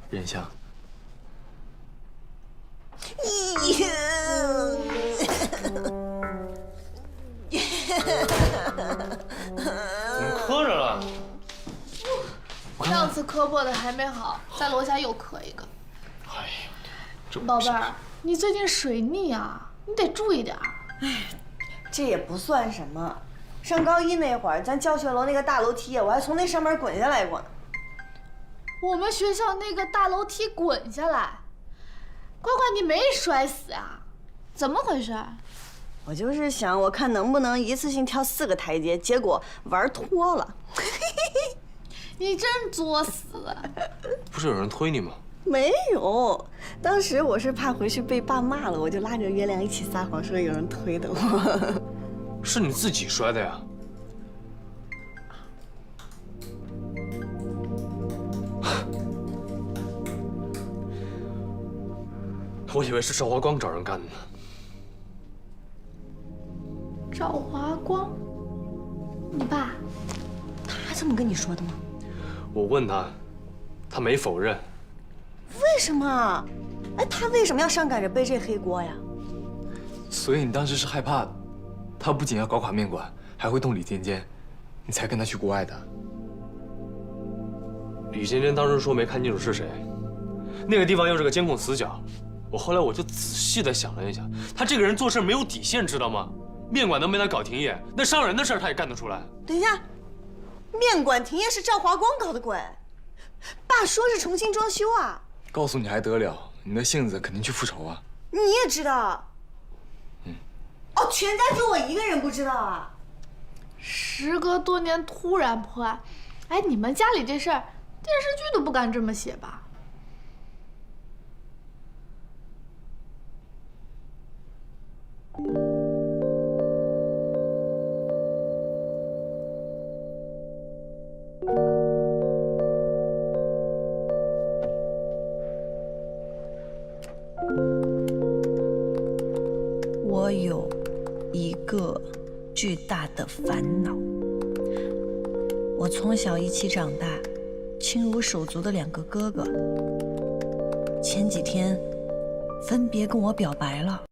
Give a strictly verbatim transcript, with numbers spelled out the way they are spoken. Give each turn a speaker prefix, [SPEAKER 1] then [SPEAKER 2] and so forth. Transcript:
[SPEAKER 1] 任香。
[SPEAKER 2] 咦，
[SPEAKER 3] 怎么磕着了？
[SPEAKER 4] 上次磕破的还没好，在楼下又磕一个。
[SPEAKER 3] 哎呀，这
[SPEAKER 4] 宝贝儿，你最近水逆啊，你得注意点儿。
[SPEAKER 2] 哎，这也不算什么。上高一那会儿，咱教学楼那个大楼梯，我还从那上面滚下来过呢。
[SPEAKER 4] 我们学校那个大楼梯滚下来，乖乖你没摔死啊？怎么回事？
[SPEAKER 2] 我就是想，我看能不能一次性跳四个台阶，结果玩脱了。
[SPEAKER 4] 你真作死！
[SPEAKER 3] 不是有人推你吗？
[SPEAKER 2] 没有，当时我是怕回去被爸骂了，我就拉着月亮一起撒谎，说有人推的我。
[SPEAKER 3] 是你自己摔的呀？我以为是赵华光找人干的呢。
[SPEAKER 4] 赵华光，你爸？
[SPEAKER 2] 他这么跟你说的吗？
[SPEAKER 3] 我问他，他没否认。
[SPEAKER 2] 为什么？哎，他为什么要上赶着背这黑锅呀？
[SPEAKER 1] 所以你当时是害怕，他不仅要搞垮面馆，还会动李尖尖，你才跟他去国外的。
[SPEAKER 3] 李尖尖当时说没看清楚是谁，那个地方又是个监控死角。我后来我就仔细的想了一下，他这个人做事没有底线，知道吗？面馆能被他搞停业，那伤人的事他也干得出来。
[SPEAKER 2] 等一下，面馆停业是赵华光搞的鬼，爸说是重新装修啊。
[SPEAKER 1] 告诉你还得了，你的性子肯定去复仇啊。
[SPEAKER 2] 你也知道？
[SPEAKER 1] 嗯。
[SPEAKER 2] 哦，全家就我一个人不知道啊？
[SPEAKER 4] 时隔多年突然破案，哎，你们家里这事儿，电视剧都不敢这么写吧？
[SPEAKER 5] 我有一个巨大的烦恼。我从小一起长大，亲如手足的两个哥哥，前几天分别跟我表白了。